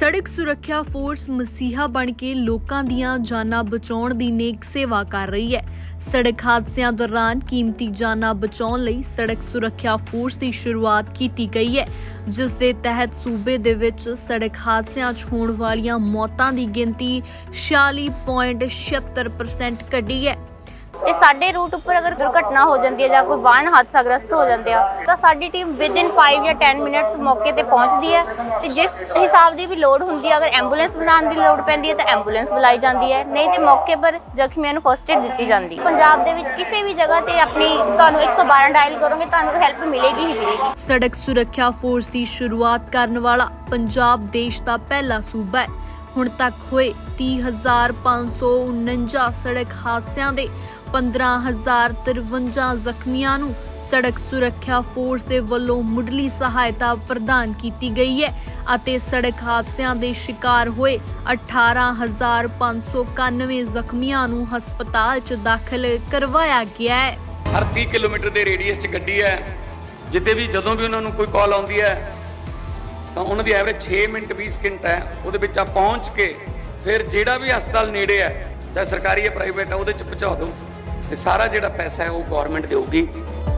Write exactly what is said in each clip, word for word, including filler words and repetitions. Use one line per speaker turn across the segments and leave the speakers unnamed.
ਸੜਕ ਸੁਰੱਖਿਆ ਫੋਰਸ ਮਸੀਹਾ ਬਣ ਕੇ ਲੋਕਾਂ ਦੀਆਂ ਜਾਨਾਂ ਬਚਾਉਣ ਦੀ ਨੇਕ ਸੇਵਾ ਕਰ ਰਹੀ ਹੈ। ਸੜਕ ਹਾਦਸਿਆਂ ਦੌਰਾਨ ਕੀਮਤੀ ਜਾਨਾਂ ਬਚਾਉਣ ਲਈ ਸੜਕ ਸੁਰੱਖਿਆ ਫੋਰਸ ਦੀ ਸ਼ੁਰੂਆਤ ਕੀਤੀ ਗਈ ਹੈ, ਜਿਸ ਦੇ ਤਹਿਤ ਸੂਬੇ ਦੇ ਵਿੱਚ ਸੜਕ ਹਾਦਸਿਆਂ 'ਚ ਹੋਣ ਵਾਲੀਆਂ ਮੌਤਾਂ ਦੀ ਗਿਣਤੀ ਛਿਆਲੀ ਪੁਆਇੰਟ ਛਿਅੱਤਰ ਪਰਸੈਂਟ ਘਟੀ ਹੈ।
ਤੇ ਸਾਡੇ ਰੂਟ ਉੱਪਰ ਅਗਰ ਦੁਰਘਟਨਾ ਹੋ ਜਾਂਦੀ ਹੈ ਜਾਂ ਕੋਈ ਵਾਹਨ ਹਾਦਸਾਗ੍ਰਸਤ ਹੋ ਜਾਂਦੇ ਆ ਤਾਂ ਸਾਡੀ ਟੀਮ ਵਿਦਿਨ ਪੰਜ ਜਾਂ ਦਸ ਮਿੰਟਸ ਮੌਕੇ ਤੇ ਪਹੁੰਚਦੀ ਹੈ ਤੇ ਜਿਸ ਹਿਸਾਬ ਦੀ ਵੀ ਲੋੜ ਹੁੰਦੀ ਹੈ, ਅਗਰ ਐਂਬੂਲੈਂਸ ਬਣਾਉਣ ਦੀ ਲੋੜ ਪੈਂਦੀ ਹੈ ਤਾਂ ਐਂਬੂਲੈਂਸ ਬੁਲਾਈ ਜਾਂਦੀ ਹੈ, ਨਹੀਂ ਤੇ ਮੌਕੇ ਪਰ ਜ਼ਖਮੀਆਂ ਨੂੰ ਫਸਟ ਏਡ ਦਿੱਤੀ ਜਾਂਦੀ ਹੈ। ਪੰਜਾਬ ਦੇ ਵਿੱਚ ਕਿਸੇ ਵੀ ਜਗ੍ਹਾ ਤੇ ਆਪਣੀ ਤੁਹਾਨੂੰ ਇੱਕ ਸੌ ਬਾਰਾਂ ਡਾਇਲ ਕਰੋਗੇ ਤੁਹਾਨੂੰ ਹੈਲਪ ਮਿਲੇਗੀ ਹੀ ਮਿਲੇਗੀ।
ਸੜਕ ਸੁਰੱਖਿਆ ਫੋਰਸ ਦੀ ਸ਼ੁਰੂਆਤ ਕਰਨ ਵਾਲਾ ਪੰਜਾਬ ਦੇਸ਼ ਦਾ ਪਹਿਲਾ ਸੂਬਾ ਹੈ। ਹੁਣ ਤੱਕ ਹੋਏ ਤੀਹ ਹਜ਼ਾਰ ਪੰਜ ਸੌ ਉਨੰਜਾ ਸੜਕ ਹਾਦਸਿਆਂ ਦੇ ਪੰਦਰਾਂ ਹਜ਼ਾਰ ਤਰਵੰਜਾ ਜ਼ਖਮੀਆਂ ਨੂੰ ਸੜਕ ਸੁਰੱਖਿਆ ਫੋਰਸ ਦੇ ਵੱਲੋਂ ਮੁੱਢਲੀ ਸਹਾਇਤਾ ਪ੍ਰਦਾਨ ਕੀਤੀ ਗਈ ਹੈ ਅਤੇ ਸੜਕ ਹਾਦਸਿਆਂ ਦੇ ਸ਼ਿਕਾਰ ਹੋਏ ਅਠਾਰਾਂ ਹਜ਼ਾਰ ਪੰਜ ਸੌ ਇਕਾਨਵੇਂ ਜ਼ਖਮੀਆਂ ਨੂੰ ਹਸਪਤਾਲ 'ਚ ਦਾਖਲ ਕਰਵਾਇਆ ਗਿਆ ਹੈ।
ਹਰ ਤੀਹ ਕਿਲੋਮੀਟਰ ਦੇ ਰੇਡੀਅਸ 'ਚ ਗੱਡੀ ਹੈ, ਜਿੱਦੇ ਵੀ ਜਦੋਂ ਵੀ ਉਹਨਾਂ ਨੂੰ ਕੋਈ ਕਾਲ ਆਉਂਦੀ ਹੈ ਤਾਂ ਉਹਨਾਂ ਦੀ ਐਵਰੇਜ ਛੇ ਮਿੰਟ ਵੀਹ ਸਕਿੰਟ ਹੈ। ਉਹਦੇ ਵਿੱਚ ਆ ਪਹੁੰਚ ਕੇ ਫਿਰ ਜਿਹੜਾ ਵੀ ਹਸਪਤਾਲ ਨੇੜੇ ਹੈ, ਚਾਹੇ ਸਰਕਾਰੀ ਜਾਂ ਪ੍ਰਾਈਵੇਟ ਹੈ, ਉਹਦੇ 'ਚ ਪਹੁੰਚਾ ਦਿਓ ਤੇ ਸਾਰਾ ਜਿਹੜਾ ਪੈਸਾ ਹੈ ਉਹ ਗਵਰਨਮੈਂਟ ਦੇਊਗੀ।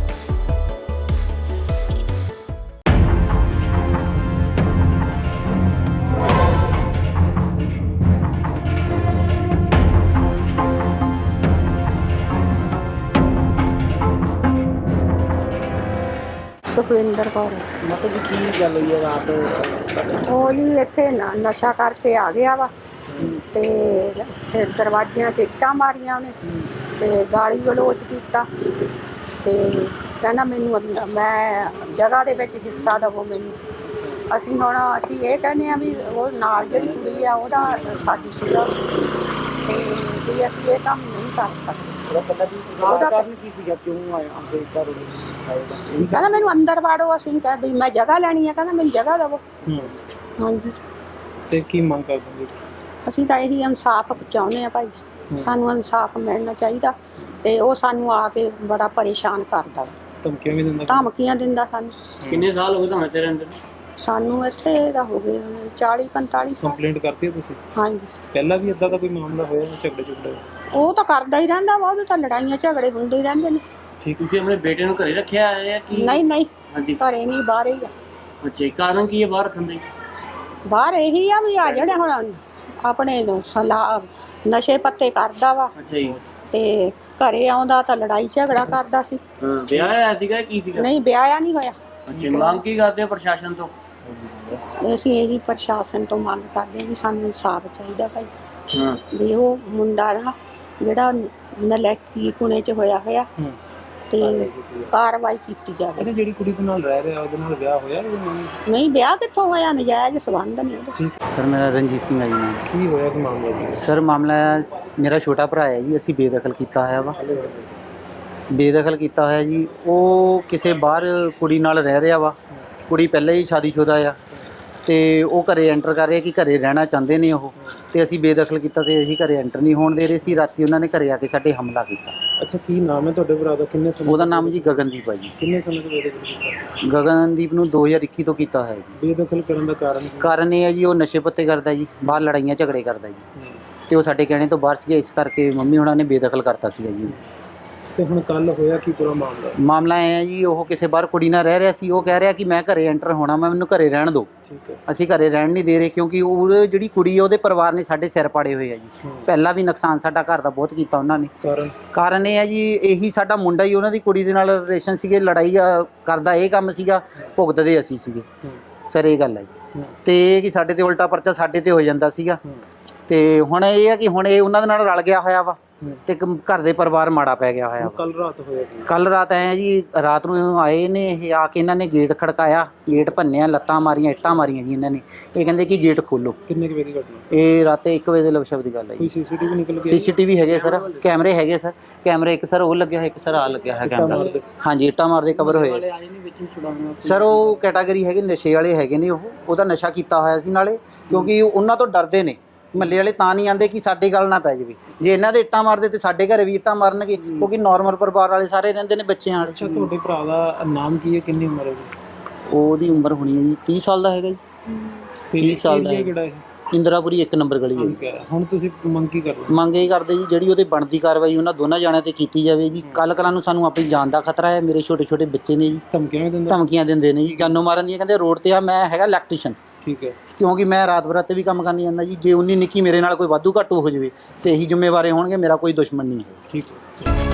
ਸੁਖਵਿੰਦਰ ਕੌਰ।
ਮਤਲਬ ਕਿ ਕੀ ਗੱਲ ਹੋਈ ਹੈ ਰਾਤ?
ਉਹ ਜੀ ਇੱਥੇ ਨ- ਨਸ਼ਾ ਕਰਕੇ ਆ ਗਿਆ ਵਾ ਤੇ ਫਿਰ ਦਰਵਾਜ਼ਿਆਂ 'ਚ ਇੱਟਾਂ ਮਾਰੀਆਂ ਉਹਨੇ ਤੇ ਗਾਲੀ ਗਲੋਚ ਕੀਤਾ ਤੇ ਕਹਿੰਦਾ ਮੈਨੂੰ ਅੰਦਰ- ਮੈਂ ਜਗ੍ਹਾ ਦੇ ਵਿੱਚ ਹਿੱਸਾ ਦੇਵੋ ਮੈਨੂੰ। ਅਸੀਂ ਹੁਣ ਅਸੀਂ ਇਹ ਕਹਿੰਦੇ ਆ ਵੀ ਉਹ ਨਾਲ ਜਿਹੜੀ ਕੁੜੀ ਆ ਉਹਦਾ ਸਾਜ਼ਿਸ਼ ਸੀਗਾ ਤੇ ਵੀ ਅਸੀਂ ਇਹ ਕੰਮ ਨਹੀਂ ਕਰ ਸਕਦੇ।
ਉਹਦਾ ਪਤਾ ਵੀ ਉਹਦਾ ਕਾਰਨ ਕੀ ਸੀਗਾ, ਕਿਉਂ ਆਇਆ ਆਪਣੇ ਘਰ ਆਏਗਾ?
ਕਹਿੰਦਾ ਮੈਨੂੰ ਅੰਦਰ ਵਾੜੋ। ਅਸੀਂ ਕਹਿ ਵੀ ਮੈਂ ਜਗ੍ਹਾ ਲੈਣੀ ਆ, ਕਹਿੰਦਾ ਮੈਨੂੰ ਜਗ੍ਹਾ ਦੇਵੋ। ਹਾਂਜੀ,
ਤੇ ਕੀ ਮੰਗ ਕਰਦੇ ਹੋ?
ਅਸੀਂ ਤਾਂ ਇਹੀ ਇਨਸਾਫ ਚਾਹੁੰਦੇ ਆ ਭਾਈ, ਸਾਨੂੰ ਇਨਸਾਫ ਮਿਲਣਾ ਚਾਹੀਦਾ ਤੇ ਉਹ ਸਾਨੂੰ ਆ ਕੇ ਬੜਾ ਪਰੇਸ਼ਾਨ ਕਰਦਾ,
ਧਮਕੀਆਂ ਵੀ ਦਿੰਦਾ?
ਧਮਕੀਆਂ ਦਿੰਦਾ ਸਾਨੂੰ।
ਕਿੰਨੇ ਸਾਲ ਹੋ ਗਏ ਤੁਹਾਨੂੰ ਤੇਰੇ ਅੰਦਰ?
ਸਾਨੂੰ ਇੱਥੇ ਦਾ ਹੋ ਗਏ ਚਾਲੀ ਪੰਤਾਲੀ ਸਾਲ।
ਕੰਪਲੇਂਟ ਕਰਤੀ ਹੈ ਤੁਸੀਂ?
ਹਾਂਜੀ,
ਪਹਿਲਾਂ ਵੀ ਇਦਾਂ ਦਾ ਕੋਈ ਮਾਮਲਾ ਹੋਇਆ ਝਗੜੇ ਝਗੜੇ?
ਉਹ ਤਾਂ ਕਰਦਾ ਹੀ ਰਹਿੰਦਾ ਵਾ, ਉਹਦੇ ਤਾਂ ਲੜਾਈਆਂ ਝਗੜੇ ਹੁੰਦੇ ਹੀ ਰਹਿੰਦੇ ਨੇ।
ਠੀਕ। ਤੁਸੀਂ ਆਪਣੇ ਬੇਟੇ ਨੂੰ ਘਰੇ ਰੱਖਿਆ ਹੈ ਕਿ
ਨਹੀਂ ਨਹੀਂ,
ਹਾਂਜੀ,
ਘਰੇ ਨਹੀਂ, ਬਾਹਰ ਹੀ ਆ।
ਅੱਛਾ, ਕਾਰਨ ਕੀ ਹੈ ਬਾਹਰ ਰੱਖਣ ਦਾ?
ਬਾਹਰ ਇਹੀ ਆ ਵੀ ਆ ਜਿਹੜੇ ਹੁਣ ਆਪਣੇ ਨੂੰ ਸਲਾਹ ਨਸ਼ੇ ਪੱਤੇ ਕਰਦਾ ਵਾ।
ਅੱਛਾ ਜੀ।
ਤੇ ਘਰੇ ਆਉਂਦਾ ਤਾਂ ਲੜਾਈ ਝਗੜਾ ਕਰਦਾ ਸੀ।
ਹਾਂ, ਵਿਆਹ ਹੋਇਆ ਸੀਗਾ ਕੀ ਸੀਗਾ?
ਨਹੀਂ, ਵਿਆਹਿਆ ਨਹੀਂ ਹੋਇਆ।
ਅੱਛਾ, ਮੰਗ ਕੀ ਕਰਦੇ ਹੋ ਪ੍ਰਸ਼ਾਸਨ ਤੋਂ?
ਅਸੀਂ ਇਹੀ ਪ੍ਰਸ਼ਾਸਨ ਤੋਂ ਮੰਗ ਕਰਦੇ ਹਾਂ ਵੀ ਸਾਨੂੰ ਇਨਸਾਫ ਚਾਹੀਦਾ ਭਾਈ।
ਹਾਂ,
ਵੀ ਉਹ ਮੁੰਡਾ ਨਾ ਜਿਹੜਾ ਨਲੈਕੀ ਕੁਣੇ 'ਚ ਹੋਇਆ ਹੋਇਆ ਤੇ ਕਾਰਵਾਈ ਕੀਤੀ ਜਾਵੇ।
ਅੱਛਾ, ਜਿਹੜੀ ਕੁੜੀ ਦੇ ਨਾਲ ਰਹਿ ਰਿਹਾ ਉਹਦੇ ਨਾਲ ਵਿਆਹ ਹੋਇਆ ਜਾਂ ਨਹੀਂ?
ਨਹੀਂ, ਵਿਆਹ ਕਿੱਥੋਂ ਹੋਇਆ, ਨਜਾਇਜ਼ ਸੰਬੰਧ ਨੇ ਉਹਦੇ।
ਸਰ ਮੇਰਾ ਰਣਜੀਤ ਸਿੰਘ ਹੈ ਜੀ। ਨਾਮ
ਕੀ ਹੋਇਆ ਕਿ ਮਾਮਲਾ ਜੀ?
ਸਰ ਮਾਮਲਾ ਮੇਰਾ ਛੋਟਾ ਭਰਾ ਹੈ ਜੀ, ਅਸੀਂ ਬੇਦਖਲ ਕੀਤਾ ਹੋਇਆ ਵਾ ਬੇਦਖਲ ਕੀਤਾ ਹੋਇਆ ਜੀ। ਉਹ ਕਿਸੇ ਬਾਹਰ ਕੁੜੀ ਨਾਲ ਰਹਿ ਰਿਹਾ ਵਾ, ਕੁੜੀ ਪਹਿਲਾਂ ਹੀ ਸ਼ਾਦੀशुदा ਆ ਤੇ ਉਹ ਘਰੇ ਐਂਟਰ ਕਰ ਰਿਹਾ ਕਿ ਘਰੇ ਰਹਿਣਾ ਚਾਹੁੰਦੇ ਨੇ ਉਹ, ਤੇ ਅਸੀਂ ਬੇਦਖਲ ਕੀਤਾ ਤੇ ਅਸੀਂ ਘਰੇ ਐਂਟਰ ਨਹੀਂ ਹੋਣ ਦੇ ਰਹੇ ਸੀ। ਰਾਤੀ ਉਹਨਾਂ ਨੇ ਘਰੇ ਆ ਕੇ ਸਾਡੇ ਹਮਲਾ ਕੀਤਾ।
ਅੱਛਾ, ਕੀ ਨਾਮ ਹੈ ਤੁਹਾਡੇ ਭਰਾ ਦਾ? ਕਿੰਨੇ ਸਮੇਂ?
ਉਹਦਾ ਨਾਮ ਜੀ ਗਗਨਦੀਪ ਹੈ ਜੀ।
ਕਿੰਨੇ ਸਮੇਂ ਤੋਂ ਬੇਦਖਲ ਕੀਤਾ?
ਗਗਨਦੀਪ ਨੂੰ ਦੋ ਹਜ਼ਾਰ ਇੱਕੀ ਤੋਂ ਕੀਤਾ ਹੋਇਆ ਜੀ।
ਬੇਦਖਲ ਕਰਨ ਦਾ ਕਾਰਨ?
ਕਾਰਨ ਇਹ ਹੈ ਜੀ ਉਹ ਨਸ਼ੇ ਪੱਤੇ ਕਰਦਾ ਜੀ, ਬਾਹਰ ਲੜਾਈਆਂ ਝਗੜੇ ਕਰਦਾ ਜੀ ਤੇ ਉਹ ਸਾਡੇ ਕਹਿਣੇ ਤੋਂ ਬਾਹਰ ਸੀਗਾ, ਇਸ ਕਰਕੇ ਮੰਮੀ ਹੁਣਾਂ ਨੇ ਬੇਦਖਲ ਕਰਤਾ ਸੀਗਾ ਜੀ।
ਤੇ ਹੁਣ ਕੱਲ ਹੋਇਆ ਕੀ ਪੂਰਾ ਮਾਮਲਾ?
ਮਾਮਲਾ ਇਹ ਹੈ ਜੀ, ਉਹ ਕਿਸੇ ਬਾਹਰ ਕੁੜੀ ਨਾਲ ਰਹਿ ਰਿਹਾ ਸੀ। ਉਹ ਕਹਿ ਰਿਹਾ ਕਿ ਮੈਂ ਘਰੇ ਐਂਟਰ ਹੋਣਾ, ਮੈਂ ਮੈਨੂੰ ਘਰੇ ਰਹਿਣ ਦਿਓ।
ਠੀਕ ਹੈ।
ਅਸੀਂ ਘਰੇ ਰਹਿਣ ਨਹੀਂ ਦੇ ਰਹੇ ਕਿਉਂਕਿ ਉਹ ਜਿਹੜੀ ਕੁੜੀ ਹੈ ਉਹਦੇ ਪਰਿਵਾਰ ਨੇ ਸਾਡੇ ਸਿਰ ਪਾੜੇ ਹੋਏ ਆ ਜੀ। ਪਹਿਲਾਂ ਵੀ ਨੁਕਸਾਨ ਸਾਡਾ ਘਰ ਦਾ ਬਹੁਤ ਕੀਤਾ ਉਹਨਾਂ ਨੇ।
ਕਾਰਨ?
ਕਾਰਨ ਇਹ ਹੈ ਜੀ, ਇਹੀ ਸਾਡਾ ਮੁੰਡਾ ਹੀ ਉਹਨਾਂ ਦੀ ਕੁੜੀ ਦੇ ਨਾਲ ਰਿਲੇਸ਼ਨ ਸੀਗੇ, ਲੜਾਈ ਕਰਦਾ ਇਹ ਕੰਮ ਸੀਗਾ, ਭੁਗਤਦੇ ਅਸੀਂ ਸੀਗੇ ਸਰ, ਇਹ ਗੱਲ ਹੈ ਜੀ। ਤੇ ਇਹ ਕਿ ਸਾਡੇ ਤੇ ਉਲਟਾ ਪਰਚਾ ਸਾਡੇ ਤੇ ਹੋ ਜਾਂਦਾ ਸੀਗਾ ਤੇ ਹੁਣ ਇਹ ਹੈ ਕਿ ਹੁਣ ਇਹ ਉਹਨਾਂ ਦੇ ਨਾਲ ਰਲ ਗਿਆ ਹੋਇਆ ਵਾ ਤੇ ਘਰ ਦੇ ਪਰਿਵਾਰ ਮਾੜਾ ਪੈ ਗਿਆ ਹੋਇਆ।
ਕੱਲ ਰਾਤ ਹੋਇਆ ਜੀ?
ਕੱਲ ਰਾਤ ਆਏ ਜੀ, ਰਾਤ ਨੂੰ ਆਏ ਨੇ ਇਹ, ਆ ਕੇ ਇਹਨਾਂ ਨੇ ਗੇਟ ਖੜਕਾਇਆ, ਗੇਟ ਭੰਨਿਆ, ਲੱਤਾਂ ਮਾਰੀਆਂ, ਇੱਟਾਂ ਮਾਰੀਆਂ ਜੀ ਇਹਨਾਂ ਨੇ। ਇਹ ਕਹਿੰਦੇ ਕਿ ਗੇਟ ਖੋਲੋ।
ਕਿੰਨੇ ਕੁ ਵਜੇ ਦੀ ਘਟਨਾ?
ਇਹ ਰਾਤੇ ਇੱਕ ਵਜੇ ਦੇ ਲਵਸ਼ਬ ਦੀ ਗੱਲ ਹੈ
ਕੋਈ
ਜੀ।
ਸੀਸੀਟੀਵੀ ਨਿਕਲ ਗਿਆ?
ਸੀਸੀਟੀਵੀ ਹੈਗੇ ਸਰ, ਕੈਮਰੇ ਹੈਗੇ ਸਰ, ਕੈਮਰੇ ਇੱਕ ਸਰ ਉਹ ਲੱਗਿਆ ਹੋਇਆ, ਇੱਕ ਸਰ ਆ ਲੱਗਿਆ ਹੋਇਆ ਕੈਮਰਾ। ਹਾਂਜੀ, ਇੱਟਾਂ ਮਾਰਦੇ ਕਵਰ ਹੋਏ ਸਰ। ਉਹ ਕੈਟਾਗਰੀ ਹੈਗੇ ਨਸ਼ੇ ਵਾਲੇ ਹੈਗੇ ਨੇ, ਉਹ ਉਹਦਾ ਨਸ਼ਾ ਕੀਤਾ ਹੋਇਆ ਸੀ ਨਾਲੇ, ਕਿਉਂਕਿ ਉਹਨਾਂ ਤੋਂ ਡਰਦੇ ਨੇ ਮੱਲੇ ਵਾਲੇ, ਤਾਂ ਨਹੀਂ ਆਉਂਦੇ ਕਿ ਸਾਡੀ ਗੱਲ ਨਾ ਪੈ ਜਾਵੇ। ਜੇ ਇਹਨਾਂ ਦੇ ਇੱਟਾਂ ਮਾਰਦੇ ਤੇ ਸਾਡੇ ਘਰੇ ਵੀ ਇੱਟਾਂ ਮਾਰਨਗੇ, ਕਿਉਂਕਿ ਨਾਰਮਲ ਪਰਿਵਾਰ ਵਾਲੇ ਸਾਰੇ ਰਹਿੰਦੇ ਨੇ ਬੱਚਿਆਂ ਵਾਲੇ।
ਅੱਛਾ, ਤੁਹਾਡੇ ਭਰਾ ਦਾ ਨਾਮ ਕੀ ਹੈ, ਕਿੰਨੀ ਉਮਰ ਹੈ ਜੀ?
ਉਹਦੀ ਉਮਰ ਹੋਣੀ ਹੈ ਜੀ ਤੀਹ ਸਾਲ ਦਾ ਹੈਗਾ ਜੀ।
ਤੇ
ਤੀਹ ਸਾਲ ਦਾ
area
ਹੈ।
ਕਿਹੜਾ ਇਹ
ਇੰਦਰਾਪੁਰੀ ਇੱਕ ਨੰਬਰ ਗਲੀ ਹੈ ਜੀ।
ਠੀਕ ਹੈ, ਹੁਣ ਤੁਸੀਂ ਮੰਗ ਕੀ ਕਰਦੇ ਹੋ?
ਮੰਗ ਇਹ ਕਰਦੇ ਜੀ ਜਿਹੜੀ ਉਹਦੇ ਬਣਦੀ ਕਾਰਵਾਈ ਉਹਨਾਂ ਦੋਨਾਂ ਜਾਣਿਆਂ ਤੇ ਕੀਤੀ ਜਾਵੇ ਜੀ। ਕੱਲ ਕਲਾਂ ਨੂੰ ਸਾਨੂੰ ਆਪਣੀ ਜਾਨ ਦਾ ਖਤਰਾ ਹੈ, ਮੇਰੇ ਛੋਟੇ ਛੋਟੇ ਬੱਚੇ ਨੇ ਜੀ,
ਧਮਕੀਆਂ ਵੀ ਦਿੰਦਾ?
ਧਮਕੀਆਂ ਦਿੰਦੇ ਨੇ ਜੀ, ਜਾਨੋਂ ਮਾਰਨ ਦੀਆਂ। ਕਹਿੰਦੇ ਰੋਡ ਤੇ ਆ, ਮੈਂ ਹੈਗਾ ਇਲੈਕਟ੍ਰੀਸ਼ੀਅਨ,
ਠੀਕ ਹੈ,
ਕਿਉਂਕਿ ਮੈਂ ਰਾਤ ਬਰਾਤੇ ਵੀ ਕੰਮ ਕਰਨੀ ਜਾਂਦਾ ਜੀ। ਜੇ ਉਨੀ ਨਿੱਕੀ ਮੇਰੇ ਨਾਲ ਕੋਈ ਵਾਧੂ ਘਾਟੂ ਹੋ ਜਾਵੇ ਤੇ ਇਹੀ ਜ਼ਿੰਮੇਵਾਰ ਹੋਣਗੇ, ਮੇਰਾ ਕੋਈ ਦੁਸ਼ਮਣ ਨਹੀਂ ਹੈ।
ਠੀਕ ਹੈ।